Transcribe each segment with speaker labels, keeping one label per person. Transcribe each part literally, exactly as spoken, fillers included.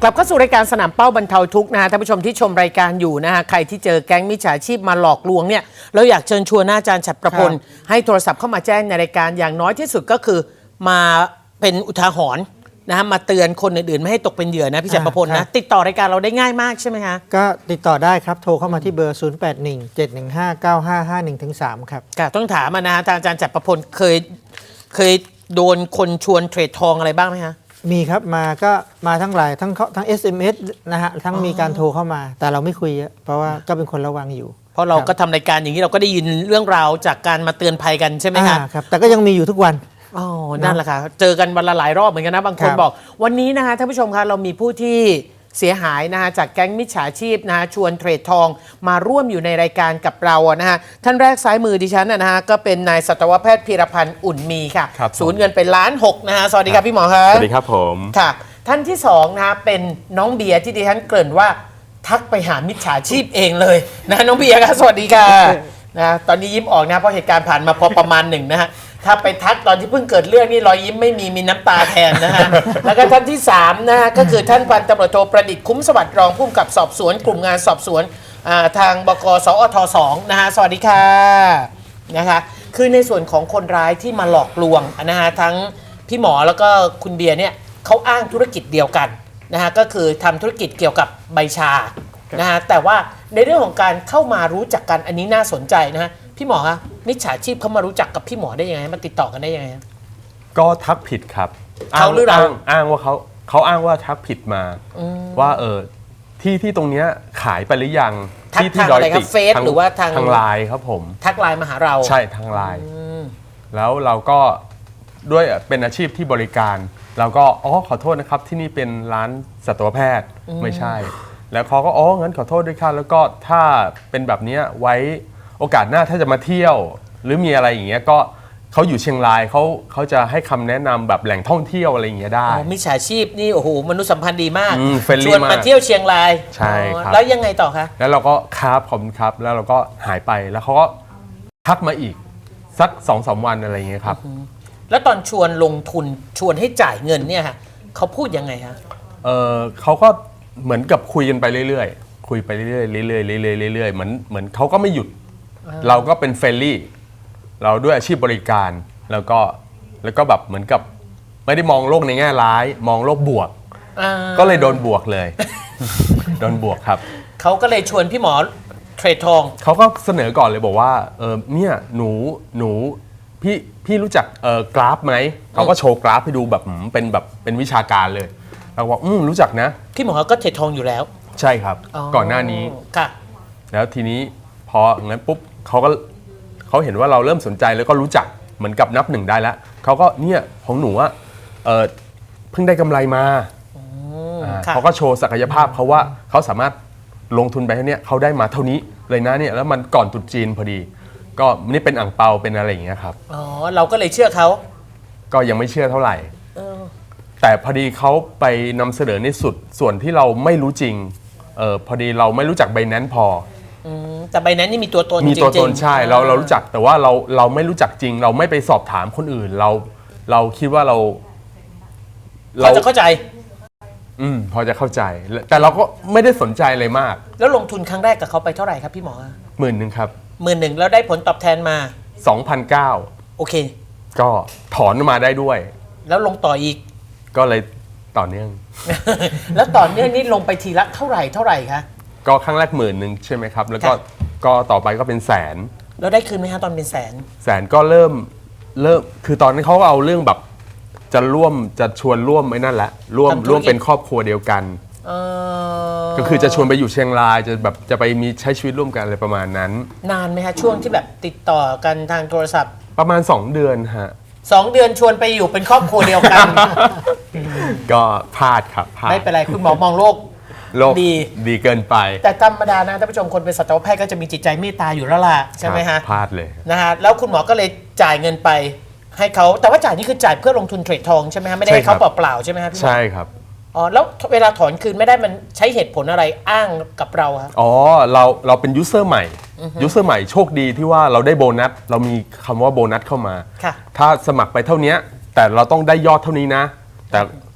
Speaker 1: ลับเข้าสู่รายการสนามเป้าบรรเทาทุกข์นะฮะท่านผู้ชมที่ชมรายการอยู่นะฮะใครที่เจอแก๊งมิจฉาชีพมาหลอกลวงเนี่ยเราอยากเชิญชวนอาจารย์ฉัตรประพลให้โทรศัพท์เข้ามาแจ้งในรายการอย่างน้อยที่สุดก็คือมาเป็นอุทาหรณ์นะฮะมาเตือนคนอื่นๆไม่ให้ตกเป็นเหยื่อนะพี่ฉัตรประพลนะติดต่อรายการเราได้ง่ายมากใช่ไหมคะ
Speaker 2: ก็ติดต่อได้ครับโทรเข้ามาที่เบอร์ ศูนย์ แปด หนึ่ง เจ็ด หนึ่ง ห้า เก้า ห้า ห้า หนึ่ง สาม ครับ
Speaker 1: ค่ะต้องถามมานะฮะอาจารย์ฉัตรประพลเคยเคยโดนคนชวนเทรดทองอะไรบ้างไหมคะ
Speaker 2: มีครับมาก็มาทั้งหลายทั้งทั้ง เอส เอ็ม เอส นะฮะทั้งมีการโทรเข้ามาแต่เราไม่คุยเยอะเพราะว่าก็เป็นคนระวังอยู่
Speaker 1: เพราะเราก็ทำรายการอย่างนี้เราก็ได้ยินเรื่องราวจากการมาเตือนภัยกันใช่ไหมคะ
Speaker 2: ครับแต่ก็ยังมีอยู่ทุกวัน
Speaker 1: อ๋อนั่นแหละค่ะเจอกันวันละหลายรอบเหมือนกันนะบางคนบอกวันนี้นะคะท่านผู้ชมคะเรามีผู้ที่เสียหายนะคะจากแก๊งมิจฉาชีพนะคะชวนเทรดทองมาร่วมอยู่ในรายการกับเรานะฮะท่านแรกซ้ายมือดิฉันนะฮะก็เป็นนายสัตวแพทย์พีรพันธ์อุ่นมีค่ะสูญเงินเป็นล้านหกนะฮะสวัสดีครับพี่หมอครับ
Speaker 3: สวัสดีครับผม
Speaker 1: ค่ะท่านที่สองนะเป็นน้องเบียร์ที่ดิฉันเกริ่นว่าทักไปหามิจฉาชีพเองเลยนะน้องเบียร์ครับสวัสดีค่ะนะตอนนี้ยิ้มออกนะเพราะเหตุการณ์ผ่านมาพอประมาณหนึ่งนะฮะถ้าไปทักตอนที่เพิ่งเกิดเรื่องนี่รอยยิ้มไม่มีมีน้ำตาแทนนะฮะ แล้วก็ท่านที่สามนะฮะก็คือท่านพันตำรวจโทประดิษฐ์คุ้มสวัสดิ์รองผู้กำกับสอบสวนกลุ่มงานสอบสวนทางบก.สอทสองนะฮะสวัสดีค่ะนะคะคือในส่วนของคนร้ายที่มาหลอกลวงนะฮะทั้งพี่หมอแล้วก็คุณเบียร์เนี่ยเขาอ้างธุรกิจเดียวกันนะฮะก็คือทำธุรกิจเกี่ยวกับใบชานะฮะแต่ว่าในเรื่องของการเข้ามารู้จักกันอันนี้น่าสนใจนะฮะพี่หมอคะมิจฉาชีพเขามารู้จักกับพี่หมอได้ยังไงมาติดต่อกันได้ยังไง
Speaker 3: ก็ทักผิดครับ
Speaker 1: เขาหรือเรา
Speaker 3: อ้างว่าเขาเขาอ้างว่าทักผิดมาว่าเออที่ที่ตรงเนี้ยขายไปหรือยัง
Speaker 1: ที่ที่ดอยติเฟซหรือว่าทาง
Speaker 3: ทางไลน์ครับผม
Speaker 1: ทักไลน์มาหาเรา
Speaker 3: ใช่ทางไลน์แล้วเราก็ด้วยเป็นอาชีพที่บริการเราก็อ๋อขอโทษนะครับที่นี่เป็นร้านสัตวแพทย์ไม่ใช่แล้วเขาก็อ๋องั้นขอโทษด้วยค่ะแล้วก็ถ้าเป็นแบบนี้ไว้โอกาสหน้าถ้าจะมาเที่ยวหรือมีอะไรอย่างเงี้ยก็เขาอยู่เชียงรายเขาเขาจะให้คำแนะนำแบบแหล่งท่องเที่ยวอะไรอย่างเงี้ยได้
Speaker 1: มิจฉาชีพนี่โอ้โหมนุษยสัมพันธ์ดีมาก
Speaker 3: ช
Speaker 1: วนมาเที่ยวเชียงราย
Speaker 3: ใช่ครับ
Speaker 1: แล้วยังไงต่อคะ
Speaker 3: แล้วเราก็ครับผมครับแล้วเราก็หายไปแล้วเขาก็ทักมาอีกสักสองสามวันอะไรอย่างเงี้ยครับ
Speaker 1: แล้วตอนชวนลงทุนชวนให้จ่ายเงินเนี่ยค่ะเขาพูดยังไงคะ
Speaker 3: เออเขาก็เหมือนกับคุยกันไปเรื่อยๆคุยไปเรื่อยๆเรื่อยๆเรื่อยๆเรื่อยๆเหมือนเหมือนเขาก็ไม่หยุดเราก็เป็นเฟรนลี่เราด้วยอาชีพบริการแล้วก็แล้วก็แบบเหมือนกับไม่ได้มองโลกในแง่ร้ายมองโลกบวกก็เลยโดนบวกเลยโดนบวกครับ
Speaker 1: เขาก็เลยชวนพี่หมอเทรดทอง
Speaker 3: เขาก็เสนอก่อนเลยบอกว่าเออเนี่ยหนูหนูพี่พี่รู้จักเออกราฟไหมเขาก็โชว์กราฟให้ดูแบบเป็นแบบเป็นวิชาการเลยเราบอกอืมรู้จักนะ
Speaker 1: พี่หมอก็เทรดทองอยู่แล้ว
Speaker 3: ใช่ครับก่อนหน้านี้
Speaker 1: ค่ะแล้ว
Speaker 3: ทีนี้พองั้นปุ๊บเขาก็เขาเห็นว่าเราเริ่มสนใจแล้วก็รู้จักเหมือนกับนับหนึ่งได้แล้วเขาก็เนี่ยของหนูอะเออเพิ่งได้กำไรมาเขาก็โชว์ศักยภาพเขาว่าเขาสามารถลงทุนไปเท่านี้เขาได้มาเท่านี้เลยนะเนี่ยแล้วมันก่อนตรุษจีนพอดีก็นี่เป็นอ่างเปาเป็นอะไรอย่างเงี้ยครับ
Speaker 1: อ๋อเราก็เลยเชื่อเขา
Speaker 3: ก็ยังไม่เชื่อเท่าไหร่แต่พอดีเขาไปนำเสนอในสุดส่วนที่เราไม่รู้จริงเออพอดีเราไม่รู้จักใบนั้นพอ
Speaker 1: แต่ใบนั้นนี่มีตัวตน
Speaker 3: มีตัวตนใช่เราเรารู้จักแต่ว่าเราเราไม่รู้จักจริงเราไม่ไปสอบถามคนอื่นเราเราคิดว่าเรา
Speaker 1: เราจะเข้าใจ
Speaker 3: อืมพอจะเข้าใจแต่เราก็ไม่ได้สนใจเลยมาก
Speaker 1: แล้วลงทุนครั้งแรกกับเขาไปเท่าไหร่ครับพี่หมอ
Speaker 3: หมื่นหนึ่งครับ
Speaker 1: หมื่นหนึ่งแล้วได้ผลตอบแทนมา
Speaker 3: สองพันเก้าร้อย
Speaker 1: โอเค
Speaker 3: ก็ถอนมาได้ด้วย
Speaker 1: แล้วลงต่ออีก
Speaker 3: ก็เลยต่อเนื่อง
Speaker 1: แล้วต่อเนื่องนี่ลงไปทีละเท่าไหร่เท่าไหร่คะ
Speaker 3: ก็ครั้งแรกหมื่นหนึ่งใช่ไหมครับแล้วก็ก็ต่อไปก็เป็นแสน
Speaker 1: แล้วได้คืนไหมฮะตอนเป็นแสน
Speaker 3: แสนก็เริ่มเริ่มคือตอนนั้นเขาก็เอาเรื่องแบบจะร่วมจะชวนร่วมไอ้นั่นแหละร่วมร่วมเป็นครอบครัวเดียวกันก็คือจะชวนไปอยู่เชียงรายจะแบบจะไปมีใช้ชีวิตร่วมกันอะไรประมาณนั้น
Speaker 1: นานไหมฮะช่วงที่แบบติดต่อกันทางโทรศัพท์
Speaker 3: ประมาณสองเดือนฮะ
Speaker 1: สองเดือนชวนไปอยู่เป็นครอบครัวเดียวกัน
Speaker 3: ก็พลาดครับพลาด
Speaker 1: ไม่เป็นไรคุณหมอมองโลก
Speaker 3: โลกดีดีเกินไป
Speaker 1: แต่ธรรมดานะท่านผู้ชมคนเป็นสัตวแพทย์ก็จะมีจิตใจเมตตาอยู่แล้วล่ะใช่ไหมฮะ
Speaker 3: พลาดเลย
Speaker 1: นะฮะแล้วคุณหมอก็เลยจ่ายเงินไปให้เขาแต่ว่าจ่ายนี่คือจ่ายเพื่อลงทุนเทรดทองใช่ไหมฮะไม่ได้ให้เขาเปล่าๆใช่ไหมฮะพี่หมอ
Speaker 3: ใช่ครับ
Speaker 1: อ๋อแล้วเวลาถอนคืนไม่ได้มันใช้เหตุผลอะไรอ้างกับเราครับ
Speaker 3: อ๋อเราเราเป็นยูเซอร์ใหม่ยูเซอร์ใหม่โชคดีที่ว่าเราได้โบนัสเรามีคำว่าโบนัสเข้ามาถ้าสมัครไปเท่านี้แต่เราต้องได้ยอดเท่านี้นะแต่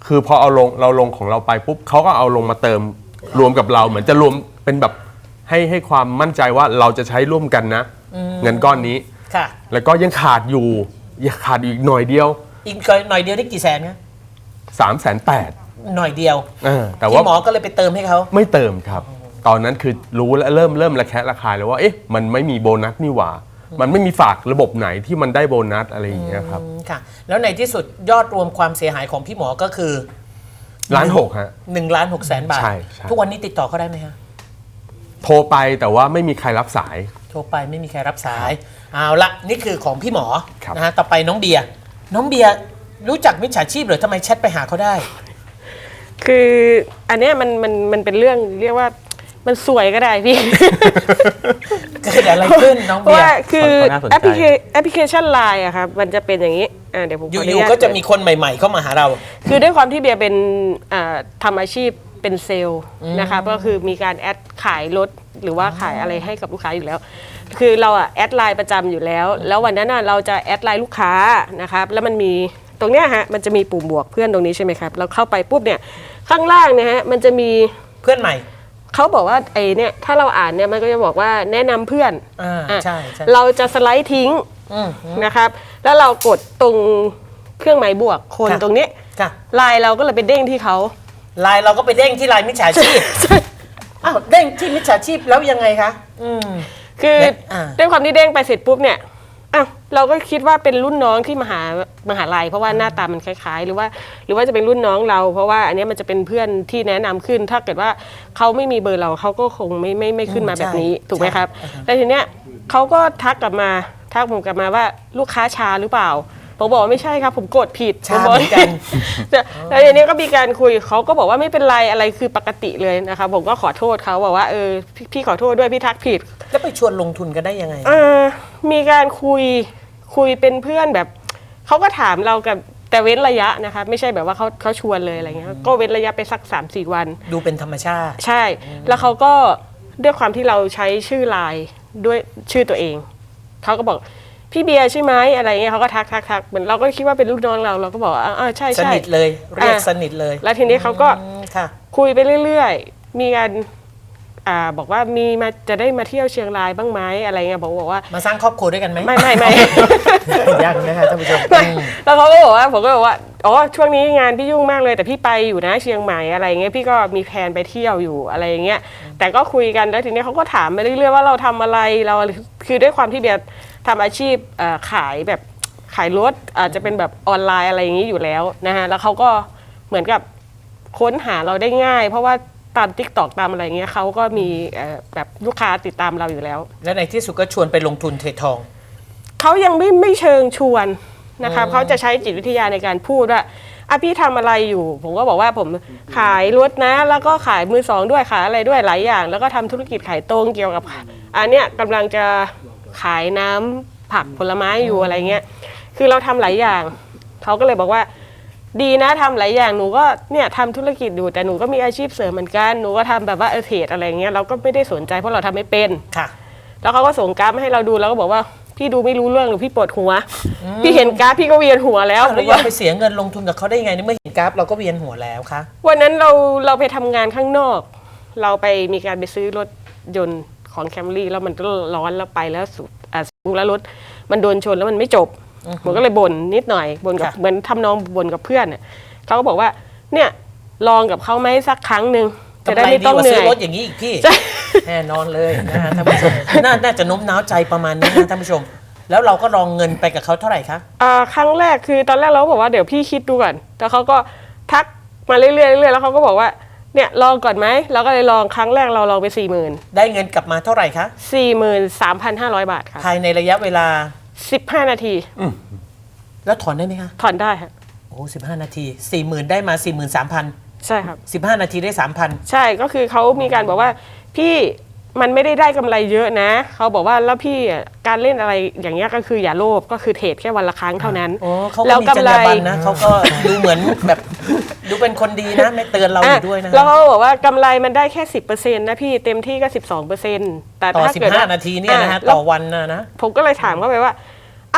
Speaker 3: คือพอเอาลงเราลงของเราไปปุ๊บเขาก็เอาลงมาเติมรวมกับเราเหมือนจะรวมเป็นแบบให้ให้ความมั่นใจว่าเราจะใช้ร่วมกันนะเงินก้อนนี้
Speaker 1: ค่ะ
Speaker 3: แล้วก็ยังขาดอยู่ยังขาดอีกหน่อยเดียว
Speaker 1: อีกหน่อยเดียวได้กี่แสนคะ
Speaker 3: สามแสนแปด
Speaker 1: หน่อยเดียว
Speaker 3: แต่ว่า
Speaker 1: ที่หมอก็เลยไปเติมให้เขา
Speaker 3: ไม่เติมครับ ตอนนั้นคือรู้แล้วเริ่มเริ่มระแคะระคายแล้วว่าเอ๊ะมันไม่มีโบนัสนี่หว่า มันไม่มีฝากระบบไหนที่มันได้โบนัสอะไรอย่างเงี้ยครับ
Speaker 1: อืมค่ะ แล้วในที่สุดยอดรวมความเสียหายของพี่หมอก็คือ
Speaker 3: ล้านหกฮะ
Speaker 1: หนึ่งล้านหกแสนบาท
Speaker 3: ใช่ใช่
Speaker 1: ทุกวันนี้ติดต่อเขาได้ไหมฮะ
Speaker 3: โทรไปแต่ว่าไม่มีใครรับสาย
Speaker 1: โทรไปไม่มีใครรับสาย เอาละนี่คือของพี่หมอ
Speaker 3: ครับ
Speaker 1: นะฮะต่อไปน้องเบียร์น้องเบียร์รู้จักมิจฉาชีพเหรือทำไมแชทไปหาเขาได้
Speaker 4: คืออันเนี้ยมันมันมันเป็นเรื่องเรียกว่ามันสวยก็ได้พี่
Speaker 1: เกิดอะไรขึ้นน้อง
Speaker 4: เพราะ
Speaker 1: เบีย
Speaker 4: ว่า
Speaker 1: ร์
Speaker 4: คือ
Speaker 3: น่าสนใจ
Speaker 4: แอปพลิเคแอปพลิเคชันไลน์อะครับมันจะเป็นอย่างนี้อ่าเดี๋ยวผมขออ
Speaker 1: อ
Speaker 4: นุ
Speaker 1: ยู่
Speaker 4: ญาต
Speaker 1: ๆก็จะมีคนใหม่ ๆ เข้ามาหาเรา
Speaker 4: คือด้วยความที่เบียร์เป็นอ่าทำอาชีพเป็นเซลล์นะคะก็คือมีการแอดขายรถหรือว่าขายอะไรให้กับลูกค้าอยู่แล้ว คือเราอะแอดไลน์ประจำอยู่แล้ว แล้ววันนั้นอะเราจะแอดไลน์ลูกค้านะครับแล้วมันมีตรงเนี้ยฮะมันจะมีปุ่มบวกเพื่อนตรงนี้ใช่ไหมครับเราเข้าไปปุ๊บเนี่ยข้างล่างเนี่ยฮะมันจะมี
Speaker 1: เพื่อนใหม่
Speaker 4: เขาบอกว่าไอ้เนี่ยถ้าเราอ่านเนี่ยมันก็จะบอกว่าแนะนำเพื่อน
Speaker 1: อ่า
Speaker 4: อ่ะ
Speaker 1: ใช่ใช่
Speaker 4: เราจะสไลด์ทิ้ง
Speaker 1: อืม
Speaker 4: นะครับ แล้วเรากดตรงเครื่องหมายบวกคน
Speaker 1: ค่ะ
Speaker 4: ตรงนี้
Speaker 1: ค่ะ
Speaker 4: ไลน์เราก็เลยไปเด้งที่เขา
Speaker 1: ไลน์เราก็ไปเด้งที่ไลน์มิจฉาชีพอ้าวเด้งที่มิจฉาชีพแล้วยังไงคะอืม
Speaker 4: คือ
Speaker 1: เนี่ยอ่า
Speaker 4: ด้วยความที่เด้งไปเสร็จปุ๊บเนี่ยอ้าวเราก็คิดว่าเป็นรุ่นน้องที่มหามหาลัยเพราะว่าหน้าตามันคล้ายๆ หรือว่า หรือว่าจะเป็นรุ่นน้องเรา เพราะว่าอันเนี้ยมันจะเป็นเพื่อนที่แนะนำขึ้น ถ้าเกิดว่าเขาไม่มีเบอร์เราเขาก็คงไม่ไม่ไม่ขึ้นมาแบบนี้ถูกไหมครับแล้วทีเนี้ยเขาก็ทักกลับมาทักผมกลับมาว่าลูกค้าช้าหรือเปล่าผมบอกว่าไม่ใช่ครับผมกดผิด
Speaker 1: ช้า
Speaker 4: ผมบ
Speaker 1: เหมือนกัน
Speaker 4: แล้วทีนี้ก็มีการคุยเขาก็บอกว่าไม่เป็นไรอะไรคือปกติเลยนะคะผมก็ขอโทษเขาบอกว่าเออพี่พี่ขอโทษด้วยพี่ทักผิด
Speaker 1: แล้วไปชวนลงทุนกันได้ยังไง
Speaker 4: เออมีการคุยคุยเป็นเพื่อนแบบเขาก็ถามเรากับแต่เว้นระยะนะคะไม่ใช่แบบว่าเขาเขาชวนเลยอะไรเงี้ยก็เว้นระยะไปสัก สามสี่ วัน
Speaker 1: ดูเป็นธรรมชาติ
Speaker 4: ใช่ แล้วเขาก็ด้วยความที่เราใช้ชื่อไลน์ด้วยชื่อตัวเองเขาก็บอกพี่เบียร์ใช่ไหมอะไรเงี้ยเขาก็ทักทักทักเหมือนเราก็คิดว่าเป็นลูกน้องเราเราก็บอกว่าอ่าใช่
Speaker 1: ส
Speaker 4: ใช่
Speaker 1: นิทเลยเรียก
Speaker 4: อ่ะ
Speaker 1: สนิทเลย
Speaker 4: แล้วทีนี้เขาก็
Speaker 1: อืมค่ะ
Speaker 4: คุยไปเรื่อยๆ มีการอ่าบอกว่ามีมาจะได้มาเที่ยวเชียงรายบ้างไหมอะไรเงี้ยบอกบอกว่า
Speaker 1: มาสร้างครอบครัวด้วยกันไหม
Speaker 4: ไม่ไม่ไม่
Speaker 1: ยังนะคะท่านผู้ชม
Speaker 4: ไม่
Speaker 1: อืม
Speaker 4: แล้วเขาก็บอกว่าผมก็บอกว่าอ๋อช่วงนี้งานพี่ยุ่งมากเลยแต่พี่ไปอยู่นะเชียงใหม่อะไรเงี้ยพี่ก็มีแผนไปเที่ยวอยู่อะไรเงี้ยแต่ก็คุยกันแล้วทีนี้เขาก็ถามมาเรื่อยๆว่าเราทำอะไรเราคือด้วยความที่เบียร์ทำอาชีพเอ่อขายแบบขายรถอาจจะเป็นแบบออนไลน์อะไรอย่างนี้อยู่แล้วนะฮะแล้วเขาก็เหมือนกับค้นหาเราได้ง่าย เพราะว่าตาม ติ๊กต็อก ตามอะไรเงี้ยเขาก็มีเอ่อแบบลูกค้าติดตามเราอยู่แล้ว
Speaker 1: และในที่สุดก็ชวนไปลงทุนเทรดทอง
Speaker 4: เขายังไม่ไม่เชิงชวนนะครับเขาจะใช้จิตวิทยาในการพูดว่าอ่ะพี่ทำอะไรอยู่ ผมก็บอกว่าผมขายรถนะ แล้วก็ขายมือสองด้วยขายอะไรด้วยหลายอย่าง แล้วก็ทำธุรกิจขายตรงเกี่ยวกับอันเนี้ยกำลังจะขายน้ำผักผลไม้อยู่อะไรเงี้ยคือเราทำหลายอย่างเขาก็เลยบอกว่าดีนะทำหลายอย่างหนูก็เนี่ยทำธุรกิจอยู่แต่หนูก็มีอาชีพเสริมเหมือนกันหนูก็ทำแบบว่าเออเทรดอะไรเงี้ยเราก็ไม่ได้สนใจเพราะเราทำไม่เป็น
Speaker 1: ค่ะ
Speaker 4: แล้วเขาก็ส่งกราฟมาให้เราดูแล้วก็บอกว่าพี่ดูไม่รู้เรื่องหรือพี่ปวดหัว พี่เห็นกราฟพี่ก็เวียนหัวแล้ว
Speaker 1: แล้ว
Speaker 4: บ
Speaker 1: ยั
Speaker 4: อก
Speaker 1: ง
Speaker 4: ว่า
Speaker 1: ไปเสียเงินลงทุนกับเขาได้ยังไงในเมื่อเห็นกราฟเราก็เวียนหัวแล้วคะ
Speaker 4: วันนั้นเราเราไปทำงานข้างนอก เราไปมีการไปซื้อรถยนต์ของแคมรี่แล้วมันก็ร้อนแล้วไปแล้วสุดอ่ะแล้วรถมันโดนชนแล้วมันไม่จบผมก็เลยบ่นนิดหน่อยบ่นกับเหมือนทำนองบ่นกับเพื่อนเนี่ยเขาก็บอกว่าเนี่ยลองกับเขาไหมสักครั้งหนึ่งจะได้
Speaker 1: กำไร
Speaker 4: ไม่
Speaker 1: ดี
Speaker 4: ต้อง
Speaker 1: กว่า
Speaker 4: เห
Speaker 1: ซื้
Speaker 4: นื่
Speaker 1: อ
Speaker 4: อย
Speaker 1: รถอย่างนี้อีกพี่แน่นอนเลยนะฮะท่านผู้ชมน่าน่าจะโน้มน้าวใจประมาณนี้นะท่านผู้ชม แล้วเราก็ลองเงินไปกับเขาเท่าไหร่คะ
Speaker 4: อ่าครั้งแรกคือตอนแรกเราก็บอกว่าเดี๋ยวพี่คิดดูก่อนแต่เขาก็ทักมาเรื่อยๆเรื่อยๆแล้วเขาก็บอกว่าเนี่ยลองก่อนไหมเราก็เลยลองครั้งแรกเราลองไปสี่หมื่น
Speaker 1: ได้เงินกลับมาเท่าไหร่คะ
Speaker 4: สี่หมื่นสามพันห้าร้อยบาทค่ะ
Speaker 1: ภายในระยะเวลา
Speaker 4: สิบห้านาที
Speaker 1: แล้วถอนได้ไหมคะ
Speaker 4: ถอนได้ค่ะ
Speaker 1: โอ้สิบห้านาทีสี่หมื่นได้มาสี่หมื่นสามพัน
Speaker 4: ใช่ครับ
Speaker 1: สิบห้านาทีได้สามพัน
Speaker 4: ใช่ก็คือเขามีการบอกว่าพี่มันไม่ได้ได้กำไรเยอะนะเขาบอกว่าแล้วพี่อ่ะการเล่นอะไรอย่างเงี้ยก็คืออย่าโลภก็คือเทรดแค่วันละครั้งเท่านั้น
Speaker 1: โอ้เขา
Speaker 4: แล้
Speaker 1: ก็
Speaker 4: ว
Speaker 1: มี
Speaker 4: กำ
Speaker 1: จร
Speaker 4: ไร
Speaker 1: รยาบรรณนะเขาก็ดูเหมือนแบบดูเป็นคนดีนะ ไม่เตือนเราอยู่ด้วยนะ
Speaker 4: แล้วเขาบอกว่ากำไรมันได้แค่สิบเปอร์เซ็นต์นะพี่เต็มที่ก็สิบสองเปอร์เซ็นต์แต่
Speaker 1: ต่อ
Speaker 4: ถ้า
Speaker 1: สิบ
Speaker 4: เกิด
Speaker 1: ห้า
Speaker 4: ว่า
Speaker 1: นาทีเนี่ยนะฮะ
Speaker 4: อ่แล้ว
Speaker 1: ต่อวันนะนะ
Speaker 4: ผมก็เลยถามเขาไปว่าอ้าว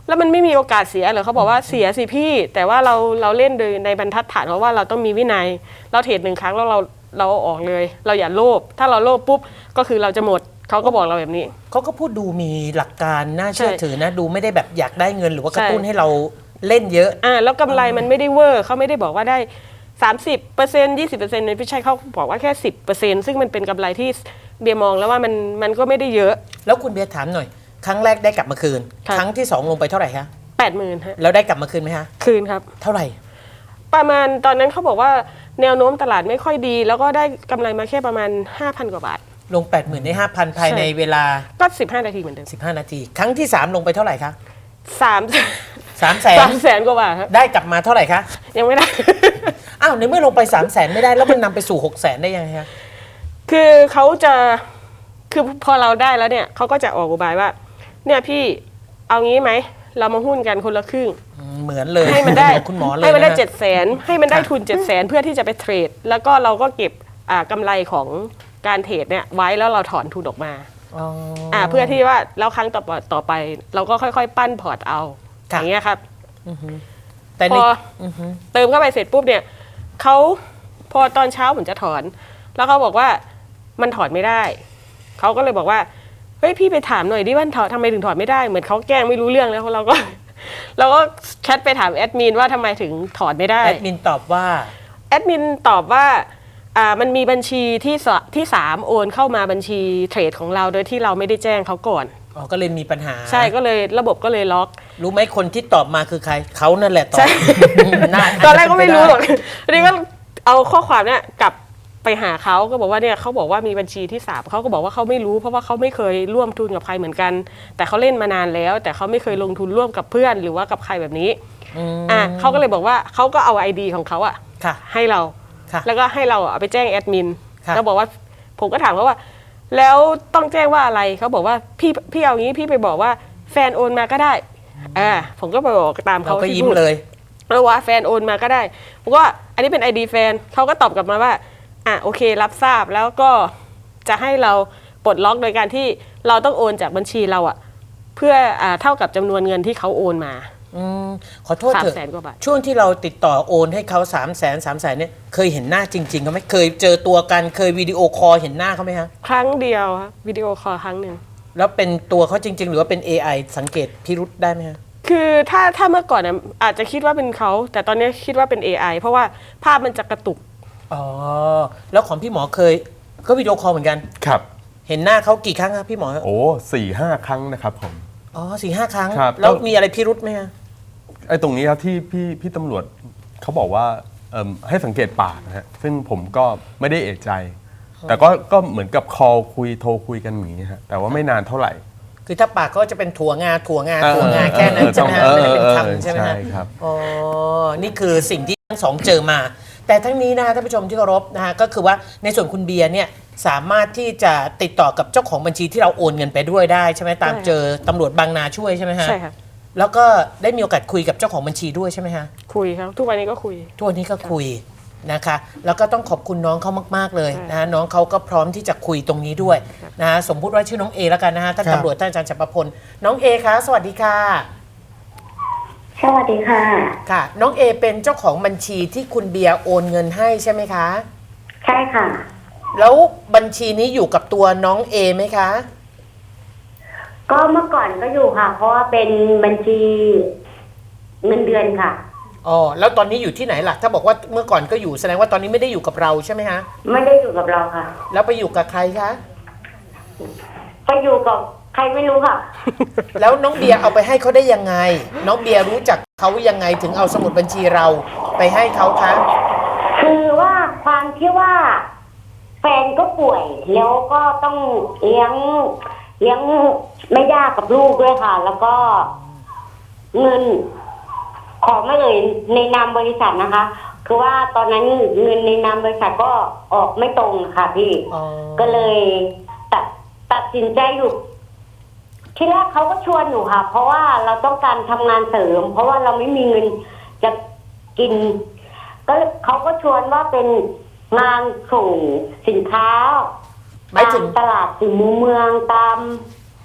Speaker 4: แล้วมันไม่มีโอกาสเสียเหรอเขาบอกว่าเสียสิพี่ แต่ว่าเราเราเล่นโดยในบรรทัดฐานเพราะว่าเราต้องมีวินัยเราเทรดหนึ่งครั้งแล้วเราเราออกเลย เราอย่าโลภถ้าเราโลภปุ๊บก็คือเราจะหมดเขาก็บอกเราแบบนี้
Speaker 1: เขาก็พูดดูมีหลักการน่าเชื่อ
Speaker 4: ใช่
Speaker 1: ถือนะดูไม่ได้แบบอยากได้เงินหรือว่ากระตุ้น
Speaker 4: ใช่
Speaker 1: ให้เราเล่นเยอะ
Speaker 4: อ่าแล้วกำไรมันไม่ได้เวอร์เขาไม่ได้บอกว่าได้สามสิบเปอร์เซ็นต์ยี่สิบเปอร์เซ็นต์ไม่ใช่เขาบอกว่าแค่สิบเปอร์เซ็นต์ซึ่งมันเป็นกำไรที่เบียร์มองแล้วว่ามันมันก็ไม่ได้เยอะ
Speaker 1: แล้วคุณเบียร์ถามหน่อย ครั้งแรกได้กลับมาคืน
Speaker 4: ครับ
Speaker 1: ครั้งที่สองลงไปเท่าไหร่คะ
Speaker 4: แปดหมื่นฮะ
Speaker 1: แล้วได้กลับมาคืนไหมคะ
Speaker 4: คืนครับ
Speaker 1: เท่าไหร่
Speaker 4: ประมาณตอนนั้นเขาบอกว่าแนวโน้มตลาดไม่ค่อยดี แล้วก็ได้กำไรมาแค่ประมาณ ห้าพัน กว่าบาท
Speaker 1: ลง แปดหมื่น ได้ ห้าพัน ภายในเวลา
Speaker 4: ก็สิบห้านาทีเหมือนเดิม
Speaker 1: สิบห้า นาที ครั้งที่สามลงไปเท่าไหร่คะ
Speaker 4: สาม
Speaker 1: สามแสน
Speaker 4: สามแสนกว่าบาทครับ
Speaker 1: ได้กลับมาเท่าไหร่คะ
Speaker 4: ยังไม่ได้
Speaker 1: อ้าวในเมื่อลงไปสามแสนไม่ได้แล้วมันนำไปสู่หกแสนได้ยังไงคะ
Speaker 4: คือเขาจะคือพอเราได้แล้วเนี่ยเขาก็จะออกอุบายว่า เนี่ยพี่เอางี้ไหมเรามาหุ้นกันคนละครึ่ง
Speaker 1: อืมเหมือนเลย
Speaker 4: ให้มันได้
Speaker 1: คุณหมอเลย
Speaker 4: ให้มันได้
Speaker 1: ะฮะ
Speaker 4: เจ็ดแสนให้มันได้
Speaker 1: ค่ะ
Speaker 4: ทุนเจ็ดแสนเพื่อที่จะไปเทรด แล้วก็เราก็เก็บอ่ากำไรของการเทรดเนี่ยไว้แล้วเราถอนทุนออกมา
Speaker 1: อ๋อ
Speaker 4: อ่าเพื่อที่ว่าแล้วครั้งต่อไปต่อไป เราก็ค่อยๆ ปั้นพอร์ตเอาอ
Speaker 1: ค่ะ
Speaker 4: ย่างเงี้ยครับ
Speaker 1: แต่
Speaker 4: พ
Speaker 1: ใน
Speaker 4: อ
Speaker 1: อือฮึ
Speaker 4: เติมเข้าไปเสร็จปุ๊บเนี่ยเขาพอตอนเช้าผมจะถอน แล้วเขาบอกว่ามันถอนไม่ได้เขาก็เลยบอกว่าเฮ้ยพี่ไปถามหน่อยดิว่าถอนทำไมถึงถอนไม่ได้เหมือนเขาแกล้งไม่รู้เรื่องแล้วเราก็ เราก็แชทไปถามแอดมินว่าทำไมถึงถอนไม่ได้
Speaker 1: แอดมินตอบว่า
Speaker 4: แอดมินตอบว่าอ่ามันมีบัญชีที่สที่สามโอนเข้ามาบัญชีเทรดของเราโดยที่เราไม่ได้แจ้งเขาก่อน
Speaker 1: อ๋อ ก็เลยมีปัญหา
Speaker 4: ใช่ก็เลยระบบก็เลยล็อก
Speaker 1: รู้ไหมคนที่ตอบมาคือใคร เขานั่นแหละตอบ
Speaker 4: ใช่
Speaker 1: น่า
Speaker 4: ตอนแรกก็ไม่รู้หรอก
Speaker 1: าจจะ
Speaker 4: ทีนี้ก็เอาข้อความเนี่ยกลับไปหาเขาก็บอกว่าเนี่ยเขาบอกว่ามีบัญชีที่สามเขาก็บอกว่าเขาไม่รู้เพราะว่าเขาไม่เคยร่วมทุนกับใครเหมือนกัน แต่เขาเล่นมานานแล้ว แต่เขาไม่เคยลงทุนร่วมกับเพื่อนหรือว่ากับใครแบบนี้
Speaker 1: อืม
Speaker 4: อ่ะเขาก็เลยบอกว่าเขาก็เอาไอดีของเขาอะ
Speaker 1: ค่ะ
Speaker 4: ให้เรา
Speaker 1: ค่ะ
Speaker 4: แล้วก็ให้เราเอาไปแจ้งแอดมิน
Speaker 1: ค่ะ
Speaker 4: แล้วบอกว่าผมก็ถามเขาว่า แล้วต้องแจ้งว่าอะไรเขาบอกว่าพี่พี่เอางี้พี่ไปบอกว่าแฟนโอนมาก็ได้อ่าผมก็ไปบอกตาม
Speaker 1: เรา
Speaker 4: เขา
Speaker 1: ก็
Speaker 4: ที่
Speaker 1: ยิ้ม
Speaker 4: พูด
Speaker 1: เลย
Speaker 4: แล้วว่าแฟนโอนมาก็ได้ผมก็อันนี้เป็น ไอ ดี แฟนเขาก็ตอบกลับมาว่าอ่ะโอเครับทราบแล้วก็จะให้เราปลดล็อกโดยการที่เราต้องโอนจากบัญชีเราอะเพื่ออ่าเท่ากับจำนวนเงินที่เขาโอนมา
Speaker 1: อืมขอโทษเถอะ
Speaker 4: สามแสนกว่าบาท
Speaker 1: ช่วงที่เราติดต่อโอนให้เขาสามแสนสามแสนเนี่ยเคยเห็นหน้าจริงๆเขาไหมเคยเจอตัวกันเคยวิดีโอคอลเห็นหน้าเขาไหมฮะ
Speaker 4: ครั้งเดียวครับวิดีโอคอลครั้งหนึ่ง
Speaker 1: แล้วเป็นตัวเขาจริง ๆ หรือว่าเป็น เอ ไอ สังเกตพิรุษได้ไหมฮะ
Speaker 4: คือถ้าถ้าเมื่อก่อนน่ะอาจจะคิดว่าเป็นเขาแต่ตอนนี้คิดว่าเป็น เอ ไอ เพราะว่าภาพมันจะกระตุก
Speaker 1: อ๋อ แล้วของพี่หมอเคยก็วิดีโอคอลเหมือนกัน
Speaker 3: ครับ
Speaker 1: เห็นหน้าเขากี่ครั้งครับพี่หมอ
Speaker 3: โอ้สี่ห้าครั้งนะครับผม
Speaker 1: อ๋อสี่ห้าครั้ง
Speaker 3: ครับ
Speaker 1: แล้วมีอะไรพิรุษไหมฮะ
Speaker 3: ไอ้ตรงนี้ครับที่พี่พี่ตำรวจเขาบอกว่าเอิ่มให้สังเกตปากนะฮะซึ่งผมก็ไม่ได้เอะใจ แต่ก็ก็เหมือนกับคอลคุยโทรคุยกันอย่างนี้ฮะแต่ว่าไม่นานเท่าไหร่
Speaker 1: คือถ้าปากก็จะเป็นถั่วงาถั่วงาถั่วงาแค่นั้นใช่ไหมฮะ
Speaker 3: เออ
Speaker 1: ไม่ได้เป็น
Speaker 3: เออ
Speaker 1: คำใช่ไหมฮะ
Speaker 3: ใช่ครับ
Speaker 1: อ๋อ นี่คือสิ่งที่ทั้งสองเจอมา แต่ทั้งนี้นะท่านผู้ชมที่เคารพนะฮะก็คือว่าในส่วนคุณเบียร์เนี่ยสามารถที่จะติดต่อกับเจ้าของบัญชีที่เราโอนเงินไปด้วยได้ใช่ไหมตาม
Speaker 4: ใช่
Speaker 1: เจอตำรวจบางนาช่วยใช่ไหมฮะ
Speaker 4: ใช่ครับ
Speaker 1: แล้วก็ได้มีโอกาสคุยกับเจ้าของบัญชีด้วยใช่ไหมฮะ
Speaker 4: คุยครับทุกวันนี้ก็คุย
Speaker 1: ทุกวันนี้ก็คุยนะคะ แล้วก็ต้องขอบคุณน้องเขามากๆเลย
Speaker 4: ใช่
Speaker 1: นะฮะน้องเขาก็พร้อมที่จะคุยตรงนี้ด้วยนะฮะสมมุติว่าชื่อน้องเอแล้วกันนะฮะท่าน
Speaker 2: ครับ
Speaker 1: ตำรวจท่านอาจารย์จักรพลน้องเอคะสวัสดีค่ะ
Speaker 5: สวัสดีค่ะ
Speaker 1: ค่ะ น้องเอเป็นเจ้าของบัญชีที่คุณเบียร์โอนเงินให้ใช่ไหมคะ
Speaker 5: ใช่ค่ะ
Speaker 1: แล้วบัญชีนี้อยู่กับตัวน้องเอไหมคะ
Speaker 5: ก็เมื่อก่อนก็อยู่ค่ะ เพราะว่าเป็นบัญชีเงินเดือนค่ะ
Speaker 1: อ๋อแล้วตอนนี้อยู่ที่ไหนล่ะถ้าบอกว่าเมื่อก่อนก็อยู่แสดงว่าตอนนี้ไม่ได้อยู่กับเราใช่ไหมฮะ
Speaker 5: ไม่ได้อยู่กับเราค่ะ
Speaker 1: แล้วไปอยู่กับใครคะ
Speaker 5: ไปอยู่กับใครไม่รู้ค่ะ
Speaker 1: แล้วน้องเบียร์เอาไปให้เขาได้ยังไง น้องเบียร์รู้จักเขายังไงถึงเอาสมุดบัญชีเราไปให้เขาคะ
Speaker 5: คือว่าความที่ว่าแฟนก็ป่วย แล้วก็ต้องเลี้ยงเลี้ยงแม่ย่ากับลูกด้วยค่ะ แล้วก็เงินขอไม่เอ่ยในนามบริษัทนะคะ คือว่าตอนนั้นเงินในนามบริษัทก็ออกไม่ตรงค่ะพี่
Speaker 1: อ๋อ
Speaker 5: ก็เลยตัดตัดสินใจอยู่ ที่แรกเขาก็ชวนหนูค่ะ เพราะว่าเราต้องการทำงานเสริม เพราะว่าเราไม่มีเงินจะกิน ก็เขาก็ชวนว่าเป็นงานส่งสินค้า
Speaker 1: หมายถึง
Speaker 5: ตามตลาดสี่มุมเมืองตาม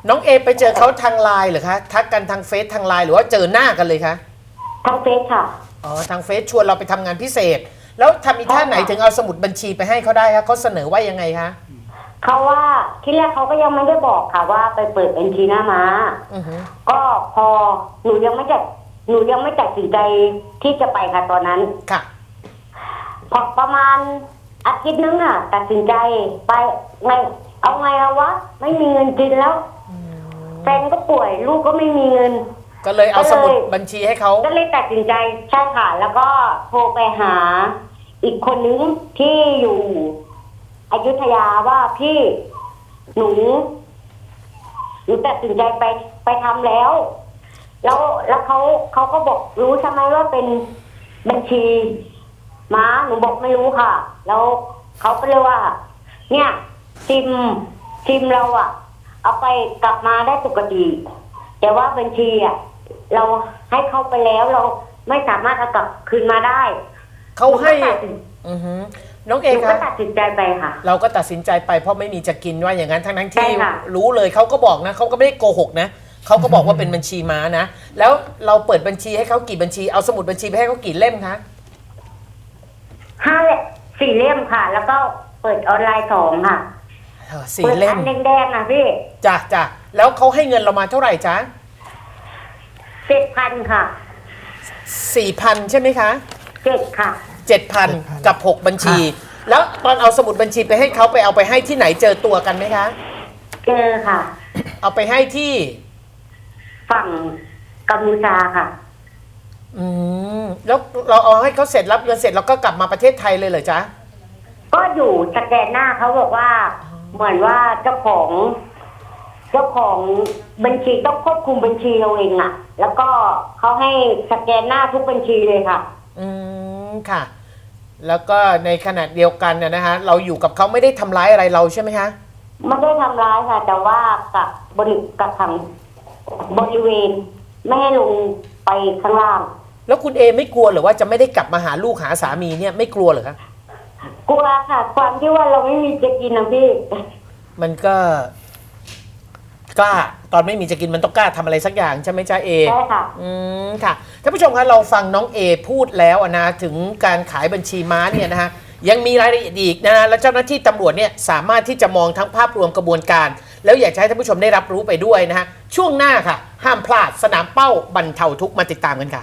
Speaker 1: น้องเอไปเจอเขาทางไลน์เหรอคะทักกันทางเฟซทางไลน์หรือว่าเจอหน้ากันเลยคะ
Speaker 5: ทางเฟซค่ะ
Speaker 1: อ๋อทางเฟซชวนเราไปทำงานพิเศษ แล้วทำอีท่าไหนถึงเอาสมุดบัญชีไปให้เขาได้คะเขาเสนอว่ายังไงคะ
Speaker 5: เขาว่าที่แรกเขาก็ยังไม่ได้บอกค่ะว่าไปเปิดบัญชีหน้าม้า
Speaker 1: อือฮึ
Speaker 5: ก็พอหนูยังไม่จัดหนูยังไม่ตัดสินใจที่จะไปค่ะตอนนั้น
Speaker 1: ค่ะ
Speaker 5: พอประมาณอาทิตย์นึงอ่ะ ตัดสินใจไปไงเอาไงเอาวะไม่มีเงินกินแล้วแฟนก็ป่วยลูกก็ไม่มีเงิน
Speaker 1: ก็เลยเอาสมุดบัญชีให้เขา
Speaker 5: ก็เลยตัดสินใจใช่ค่ะ แล้วก็โทรไปหาอีกคนนึงที่อยู่อยุธยาว่าพี่หนูหนูตัดสินใจไปไปทำแล้ว แล้วแล้วเขาเขาก็บอกรู้ใช่ไหมว่าเป็นบัญชีม้าหนูบอกไม่รู้ค่ะ แล้วเขาก็เลยว่า เนี่ยซิมซิมเราอะเอาไปกลับมาได้ปกติแต่ว่าบัญชีอะเราให้เขาไปแล้วเราไม่สามารถเอากลับคืนมาได้
Speaker 1: เขาให้
Speaker 5: นูก็ตัดสิน
Speaker 1: อือฮึน้องเอ
Speaker 5: หนูก็
Speaker 1: คะ
Speaker 5: ตัดสินใจไปค่ะ
Speaker 1: เราก็ตัดสินใจไปเพราะไม่มีจะกินว่าอย่างนั้นทั้งทั้งๆที่
Speaker 5: ใช่ค่ะ
Speaker 1: รู้เลยเขาก็บอกนะเขาก็ไม่ได้โกหกนะเขาก็บอกว่าเป็นบัญชีม้านะแล้วเราเปิดบัญชีให้เขากี่บัญชีเอาสมุดบัญชีไปให้เขากี่เล่มคะ
Speaker 5: ห้าเล่มสี่เล่มค่ะ แล้วก็เปิดออนไลน์สองค่ะ
Speaker 1: เออสี่
Speaker 5: เปิด
Speaker 1: เล่
Speaker 5: อั
Speaker 1: ม
Speaker 5: นแดงๆนะพี่
Speaker 1: จ้ะจ้ะแล้วเขาให้เงินเรามาเท่าไหร่จ๊ะ
Speaker 5: เจ็ดพันค่ะ
Speaker 1: สี่พันใช่ไหมคะ
Speaker 5: เจ็ดค่ะ
Speaker 1: เจ็ดพัน
Speaker 2: เจ็ดพัน
Speaker 1: กับหกบัญชี แล้วตอนเอาสมุดบัญชีไปให้เขาไปเอาไปให้ที่ไหนเจอตัวกันไหมคะ
Speaker 5: เจอค่ะ
Speaker 1: เอาไปให้ที่
Speaker 5: ฝั่งกัมพูชาค่ะ
Speaker 1: อืมแล้วเราเอาให้เขาเสร็จรับเงินเสร็จแล้วก็กลับมาประเทศไทยเลยเหรอจ๊ะ
Speaker 5: ก็อยู่สแกนหน้าเขาบอกว่า เหมือนว่าเจ้าของ เจ้าของบัญชีต้องควบคุมบัญชีเราเองอะแล้วก็เขาให้สแกนหน้าทุกบัญชีเลยค่ะ
Speaker 1: อืมค่ะ แล้วก็ในขณะเดียวกันนะนะฮะเราอยู่กับเขาไม่ได้ทำร้ายอะไรเราใช่ไหมคะ
Speaker 5: ไม่ได้ทำร้ายค่ะ แต่ว่ากับบริกับทางบริเวณ ไม่ให้ลงไปข้างล่าง
Speaker 1: แล้วคุณเอไม่กลัวเหรือว่าจะไม่ได้กลับมาหาลูกหาสามีเนี่ยไม่กลัวเหรอคะ
Speaker 5: กลัวค่ะ ความที่ว่าเราไม่มีจะกินนะพี่
Speaker 1: มันก็กล้าตอนไม่มีจะกินมันต้องกล้าทำอะไรสักอย่างใช่ไหมจ๊ะเอ
Speaker 5: ใช่ค่ะ
Speaker 1: อืมค่ะท่านผู้ชมคะเราฟังน้องเอพูดแล้วอะนะถึงการขายบัญชีม้าเนี่ยนะฮะยังมีรายละเอียดอีกนะฮะแล้วเจ้าหน้าที่ตำรวจเนี่ยสามารถที่จะมองทั้งภาพรวมกระบวนการ แล้วอยากจะให้ท่านผู้ชมได้รับรู้ไปด้วยนะฮะช่วงหน้าค่ะ ห้ามพลาดสนามเป้าบรรเทาทุกข์มาติดตามกันค่ะ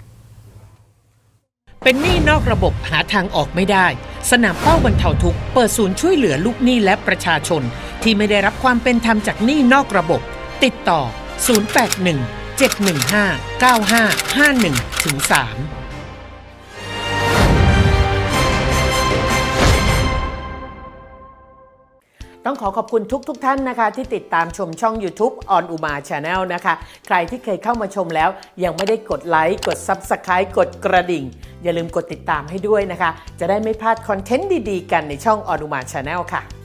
Speaker 1: เป็นหนี้นอกระบบหาทางออกไม่ได้ สนามเป้าบรรเทาทุกข์เปิดศูนย์ช่วยเหลือลูกหนี้และประชาชน ที่ไม่ได้รับความเป็นธรรมจากหนี้นอกระบบ ติดต่อ ศูนย์ แปด หนึ่ง เจ็ด หนึ่ง ห้า เก้า ห้า ห้า หนึ่ง ถึง สาม ต้องขอขอบคุณทุกทท่านนะคะที่ติดตามชมช่อง YouTube On Uma Channel นะคะ ใครที่เคยเข้ามาชมแล้วยังไม่ได้กดไลค์กด Subscribe กดกระดิ่ง อย่าลืมกดติดตามให้ด้วยนะคะ จะได้ไม่พลาดคอนเทนต์ดีๆกันในช่อง On Uma Channel ค่ะ